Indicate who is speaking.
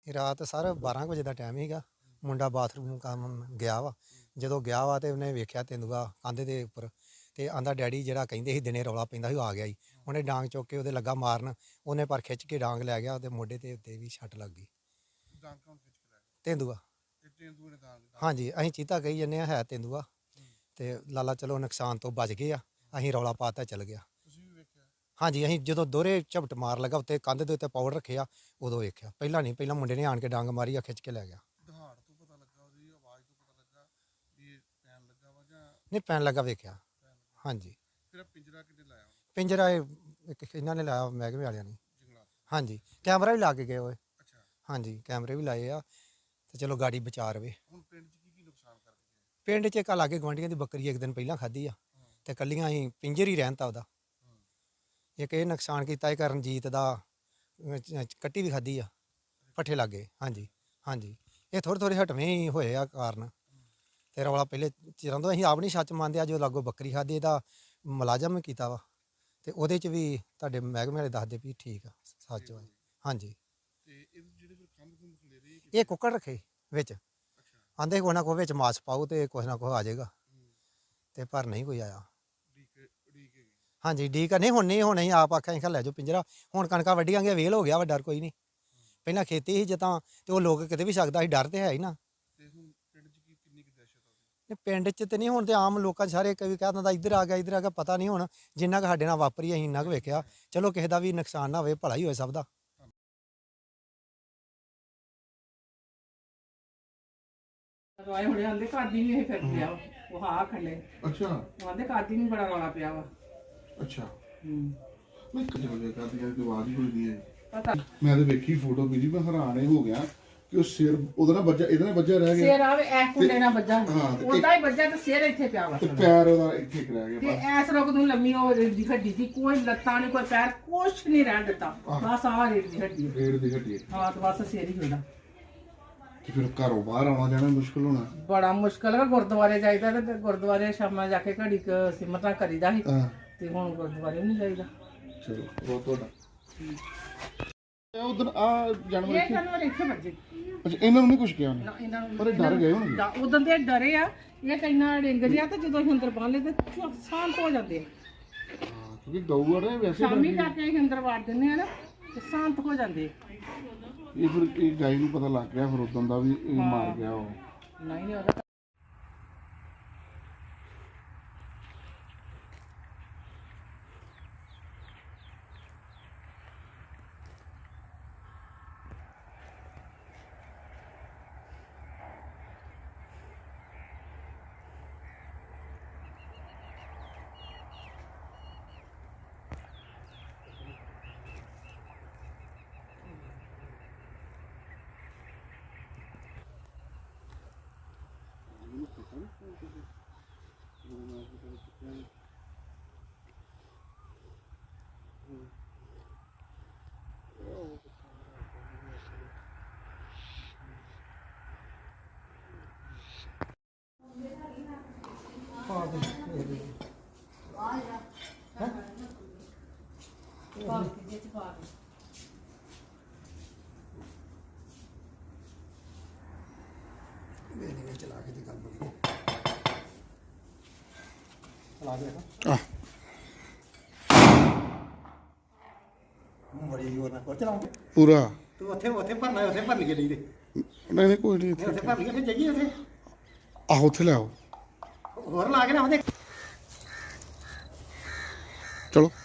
Speaker 1: ਰਾਤ ਸਰ 12 ਵਜੇ ਦਾ ਟਾਈਮ ਸੀਗਾ। ਮੁੰਡਾ ਬਾਥਰੂਮ ਕੰਮ ਗਿਆ ਵਾ। ਜਦੋਂ ਗਿਆ ਵਾ ਤੇ ਉਹਨੇ ਵੇਖਿਆ ਤੇਂਦੂਆ ਕੰਧ ਦੇ ਉੱਪਰ ਤੇ ਆਂਦਾ ਡੈਡੀ ਜਿਹੜਾ ਕਹਿੰਦੇ ਸੀ ਦਿਨੇ ਰੌਲਾ ਪੈਂਦਾ ਸੀ ਉਹ ਆ ਗਿਆ ਜੀ। ਉਹਨੇ ਡਾਂਗ ਚੁੱਕ ਕੇ ਉਹਦੇ ਲੱਗਾ ਮਾਰਨ। ਉਹਨੇ ਪਰ ਖਿੱਚ ਕੇ ਡਾਂਗ ਲੈ ਗਿਆ, ਉਹਦੇ ਮੋਢੇ ਤੇ ਉੱਤੇ ਵੀ ਛੱਟ ਲੱਗ ਗਈ।
Speaker 2: ਡਾਂਗ ਕੌਣ ਖਿੱਚ ਕੇ ਲੈ ਗਿਆ?
Speaker 1: ਤੇਂਦੂਆ।
Speaker 2: ਤੇ ਤੇਂਦੂਏ ਨੇ ਡਾਂਗ
Speaker 1: ਹਾਂਜੀ, ਅਸੀਂ ਚੀਤਾ ਕਹੀ ਜੰਨੇ ਆ, ਹੈ ਤੇਂਦੂਆ। ਤੇ ਲਾਲਾ ਚਲੋ ਨੁਕਸਾਨ ਤੋਂ ਬਚ ਗਏ ਆ। ਅਸੀਂ ਰੌਲਾ ਪਾਤਾ ਚੱਲ ਗਿਆ।
Speaker 2: ਤੁਸੀਂ ਵੀ ਵੇਖਿਆ?
Speaker 1: ਹਾਂਜੀ, ਅਸੀਂ ਜਦੋਂ ਦੋਹਰੇ ਝਪਟ ਮਾਰ ਲੱਗਾ ਉੱਤੇ ਕੰਧ ਦੇ ਉੱਤੇ ਪਾਊਡਰ ਰੱਖਿਆ ਉਦੋਂ ਵੇਖਿਆ। ਪਹਿਲਾਂ ਨਹੀਂ, ਪਹਿਲਾਂ ਮੁੰਡੇ ਨੇ ਆਣ ਕੇ ਡਾਂਗ ਮਾਰੀ ਆ, ਖਿੱਚ ਕੇ ਲੈ ਗਿਆ।
Speaker 2: ਦਹਾੜ ਤੋਂ ਪਤਾ ਲੱਗਾ, ਉਹਦੀ ਆਵਾਜ਼ ਤੋਂ ਪਤਾ ਲੱਗਾ ਵੀ ਇਹ ਪੈਣ ਲੱਗਾ ਵਾ ਜਾਂ
Speaker 1: ਨਹੀਂ, ਪੈਣ ਲੱਗਾ ਵੇਖਿਆ।
Speaker 2: ਪੈਣ ਲੱਗਾ?
Speaker 1: ਹਾਂਜੀ,
Speaker 2: ਫਿਰ ਪਿੰਜਰਾ ਕਿੱਥੇ ਲਾਇਆ ਉਹਨੇ?
Speaker 1: ਪਿੰਜਰਾ ਇੱਕ ਇਹਨਾਂ ਨੇ ਲਾਇਆ, ਮਹਿਕਮੇ ਵਾਲਿਆਂ ਨੇ।
Speaker 2: ਜੰਗਲਾਤ?
Speaker 1: ਹਾਂਜੀ, ਕੈਮਰਾ ਵੀ ਲਾ ਕੇ ਗਏ ਓਏ।
Speaker 2: ਅੱਛਾ।
Speaker 1: ਹਾਂਜੀ, ਕੈਮਰੇ ਵੀ ਲਾਏ ਆ ਤੇ ਚਲੋ ਗਾੜੀ ਬਚਾ ਰਵੇ।
Speaker 2: ਹੁਣ ਪਿੰਡ 'ਚ ਕੀ ਨੁਕਸਾਨ ਕਰਕੇ ਗਏ?
Speaker 1: ਪਿੰਡ 'ਚ ਇੱਕ ਲਾਗੇ ਗੁਆਂਢੀਆਂ ਦੀ ਬੱਕਰੀ ਇੱਕ ਦਿਨ ਪਹਿਲਾਂ ਖਾਧੀ ਆ ਤੇ ਕੱਲੀਆਂ ਅਸੀਂ ਪਿੰਜਰ ਹੀ ਰਹਿਣ ਤਾ ਉਹਦਾ। ਇੱਕ ਇਹ ਨੁਕਸਾਨ ਕੀਤਾ ਇੱਕ ਰਣਜੀਤ ਦਾ ਕੱਟੀ ਵੀ ਖਾਧੀ ਆ ਪੱਠੇ ਲਾਗੇ। ਹਾਂਜੀ ਹਾਂਜੀ, ਇਹ ਥੋੜ੍ਹੇ ਥੋੜ੍ਹੇ ਹਟਵੇਂ ਹੀ ਹੋਏ ਆ ਕਾਰਨ। ਤੇ ਰੌਲਾ ਪਹਿਲੇ ਚਿਰਾਂ ਤੋਂ ਅਸੀਂ ਆਪ ਨਹੀਂ ਸੱਚ ਮੰਨਦੇ ਆ। ਜੋ ਲਾਗੋ ਬੱਕਰੀ ਖਾਧੀ ਇਹਦਾ ਮੁਲਾਜ਼ਮ ਕੀਤਾ ਵਾ ਤੇ ਉਹਦੇ 'ਚ ਵੀ ਤੁਹਾਡੇ ਮਹਿਕਮੇ ਵਾਲੇ ਦੱਸਦੇ ਵੀ ਠੀਕ ਆ, ਸੱਚ ਵਾ। ਹਾਂਜੀ,
Speaker 2: ਤੇ ਇਹ ਜਿਹੜੇ ਫਿਰ ਕੰਧ ਕੁੰਧ ਖਲੇਰੇ
Speaker 1: ਇਹ ਕੁੱਕੜ ਰੱਖੇ ਵਿੱਚ।
Speaker 2: ਅੱਛਾ।
Speaker 1: ਆਂਦੇ ਕੁਛ ਨਾ ਕੁਛ ਵਿੱਚ ਮਾਸ ਪਾਓ ਤੇ ਕੁਛ ਨਾ ਕੁਛ ਆ ਜਾਏਗਾ ਤੇ ਪਰ ਨਹੀਂ ਕੋਈ ਆਇਆ।
Speaker 2: ਡੀਕ ਹੈਗੀ?
Speaker 1: ਹਾਂਜੀ, ਡੀਕ ਨਹੀਂ, ਹੁਣ ਨਹੀਂ, ਹੁਣ ਅਸੀਂ ਆਪ ਆਖਿਆ ਅਸੀਂ ਲੈ ਜਾਓ ਪਿੰਜਰਾ। ਹੁਣ ਕਣਕਾਂ ਵੱਢੀਆਂ ਗਈਆਂ, ਵੇਲ ਹੋ ਗਿਆ ਵਾ, ਡਰ ਕੋਈ ਨਹੀਂ। ਪਹਿਲਾਂ ਖੇਤੀ ਸੀ ਜਿੱਦਾਂ ਤੇ ਉਹ ਲੋਕ ਕਿਤੇ ਵੀ ਸਕਦਾ ਸੀ, ਡਰ ਤੇ ਹੈ ਹੀ ਨਾ।
Speaker 2: ਤੇ ਹੁਣ ਪਿੰਡ 'ਚ ਕਿੰਨੀ ਕੁ ਦਹਿਸ਼ਤ ਆ ਉਹਦੀ?
Speaker 1: ਇਹ ਪਿੰਡ 'ਚ ਤੇ ਨਹੀਂ, ਹੁਣ ਤੇ ਆਮ ਲੋਕਾਂ 'ਚ ਸਾਰੇ ਕਈ ਕਹਿ ਦਿੰਦਾ ਇੱਧਰ ਆ ਗਿਆ, ਇੱਧਰ ਆ ਗਿਆ। ਪਤਾ ਨਹੀਂ ਹੁਣ ਜਿੰਨਾ ਕੁ ਸਾਡੇ ਨਾਲ ਵਾਪਰੀ ਅਸੀਂ ਇੰਨਾ ਕੁ ਵੇਖਿਆ। ਚਲੋ ਕਿਸੇ ਦਾ ਵੀ ਨੁਕਸਾਨ ਨਾ ਹੋਵੇ, ਭਲਾ ਹੀ ਹੋਏ ਸਭ ਦਾ।
Speaker 3: ਰੋਏ ਹੁਣੇ ਆਂਦੇ ਕਾਦੀ ਵੀ ਇਹ ਫਿਰ ਗਿਆ ਉਹ ਹਾਂ ਖੰਡੇ।
Speaker 2: ਅੱਛਾ।
Speaker 3: ਉਹ ਆਂਦੇ ਕਾਦੀ ਨਹੀਂ ਬੜਾ ਰੌਲਾ ਪਿਆ ਵਾ।
Speaker 2: ਅੱਛਾ।
Speaker 3: ਹੂੰ,
Speaker 2: ਮੈਂ ਕਿਹਾ ਹੋ ਕਰਦੀ ਹੈ ਕਿ ਆਵਾਜ਼ ਹੀ ਕੋਈ ਨਹੀਂ ਹੈ।
Speaker 3: ਪਤਾ
Speaker 2: ਮੈਂ ਤੇ ਵੇਖੀ ਫੋਟੋ ਵੀ ਜੀ, ਮੈਂ ਹੈਰਾਨ ਹੀ ਹੋ ਗਿਆ ਕਿ ਉਹ ਸਿਰ ਉਹਦਾ ਨਾਲ ਵੱਜਾ, ਇਹਦੇ ਨਾਲ ਵੱਜਾ ਰਹਿ ਗਿਆ
Speaker 3: ਸਿਰ ਆਵੇ ਐ ਕੁੰਡੇ ਨਾਲ ਵੱਜਾ।
Speaker 2: ਹਾਂ, ਤੇ
Speaker 3: ਉਹਦਾ ਹੀ ਵੱਜਾ ਤੇ ਸਿਰ ਇੱਥੇ ਪਿਆ ਵਾ।
Speaker 2: ਤੇ ਪੈਰ ਉਹਦਾ ਇੱਥੇ ਇੱਕ ਰਹਿ
Speaker 3: ਤੇ
Speaker 2: ਗਿਆ
Speaker 3: ਐਸ ਰੁਕ ਨੂੰ ਲੰਮੀ ਉਹ ਦੀ ਹੱਡੀ ਸੀ, ਕੋਈ ਲੱਤਾਂ ਨਹੀਂ ਕੋਈ ਪੈਰ ਕੁਛ ਨਹੀਂ ਰਹਿਣ ਦਿੱਤਾ। ਬਸ ਆਹ ਰੇਡ ਦੀ ਹੱਡੀ।
Speaker 2: ਰੇੜ ਦੀ ਹੱਡੀ।
Speaker 3: ਹਾਂ ਤੇ ਬਸ ਸਿਰ ਹੀ ਹੁੰਦਾ।
Speaker 2: ਤੇ ਫਿਰ ਘਰੋਂ ਬਾਹਰ ਆਉਣਾ ਜਾਣਾ ਮੁਸ਼ਕਲ ਹੋਣਾ?
Speaker 3: ਬੜਾ ਮੁਸ਼ਕਲ ਹੈ। ਗੁਰਦੁਆਰੇ ਜਾਈਦਾ ਤੇ ਗੁਰਦੁਆਰੇ ਸ਼ਾਮਾਂ ਜਾ ਕੇ ਘੜੀ ਕੁ ਸਿਮਰਤਾਂ ਕਰੀਦਾ ਸੀ।
Speaker 2: ਹਾਂ।
Speaker 3: ਤੇ ਹੁਣ ਗੁਰਦੁਆਰੇ ਵੀ ਨਹੀਂ ਜਾਈਦਾ।
Speaker 2: ਚਲੋ ਬਹੁਤ ਤੁਹਾਡਾ। ਉਧਰ ਆ ਜਾਨਵਰ
Speaker 3: ਇਹ ਜਾਨਵਰ ਇੱਥੇ ਵੱਜੇ।
Speaker 2: ਅੱਛਾ, ਇਹਨਾਂ ਨੂੰ ਨਹੀਂ ਕੁਝ ਕਿਹਾ ਉਹਨੇ?
Speaker 3: ਨਾ ਇਹਨਾਂ ਨੂੰ
Speaker 2: ਪਰ ਇਹ ਡਰ ਗਏ ਹੋਣਗੇ।
Speaker 3: ਉਦੋਂ ਦੇ ਡਰੇ ਆ। ਇਹ ਕਈਆਂ ਡਿੰਗਦੇ ਆ ਤੇ ਜਦੋਂ ਅਸੀਂ ਅੰਦਰ ਬੰਨ ਲਏ ਤੇ ਸ਼ਾਂਤ ਹੋ ਜਾਂਦੇ ਆ।
Speaker 2: ਹਾਂ, ਕਿਉਂਕਿ ਗਊ ਆ ਨਾ ਵੈਸੇ
Speaker 3: ਸ਼ਾਮੀ ਕਰਕੇ ਅਸੀਂ ਅੰਦਰ ਵਾੜ ਦਿੰਦੇ ਆ ਨਾ ਤੇ ਸ਼ਾਂਤ ਹੋ ਜਾਂਦੇ ਆ।
Speaker 2: ਇਹ ਫਿਰ ਇਹ ਗਾਈ ਨੂੰ ਪਤਾ ਲੱਗ ਗਿਆ ਫਿਰ ਉਦੋਂ ਦਾ ਵੀ ਇਹ ਮਾਰ ਗਿਆ ਉਹ।
Speaker 3: ਨਹੀਂ ਨਹੀਂ ਉਹਦਾ
Speaker 1: ਚਲਾ ਕੇ ਦੀ ਗੱਲ ਬਣੀ ਚਲਾ ਕੇ
Speaker 2: ਆਹ
Speaker 1: ਬੜੀ ਜ਼ੋਰ ਨਾਲ ਚਲਾਉਂਗੇ
Speaker 2: ਪੂਰਾ।
Speaker 1: ਤੂੰ ਉੱਥੇ ਭਰਨਾ, ਉੱਥੇ ਭਰ ਲਈਏ ਨਹੀਂ ਤੇ
Speaker 2: ਨਹੀਂ ਨਹੀਂ ਕੋਈ ਨਹੀਂ
Speaker 1: ਉੱਥੇ ਭਰ ਲਈਏ ਫਿਰ ਜਾਈਏ ਉੱਥੇ।
Speaker 2: ਆਹੋ ਉੱਥੇ ਲਿਆਓ
Speaker 1: ਹੋਰ ਲਾ ਕੇ ਨਾ ਉਹਦੇ
Speaker 2: ਚਲੋ।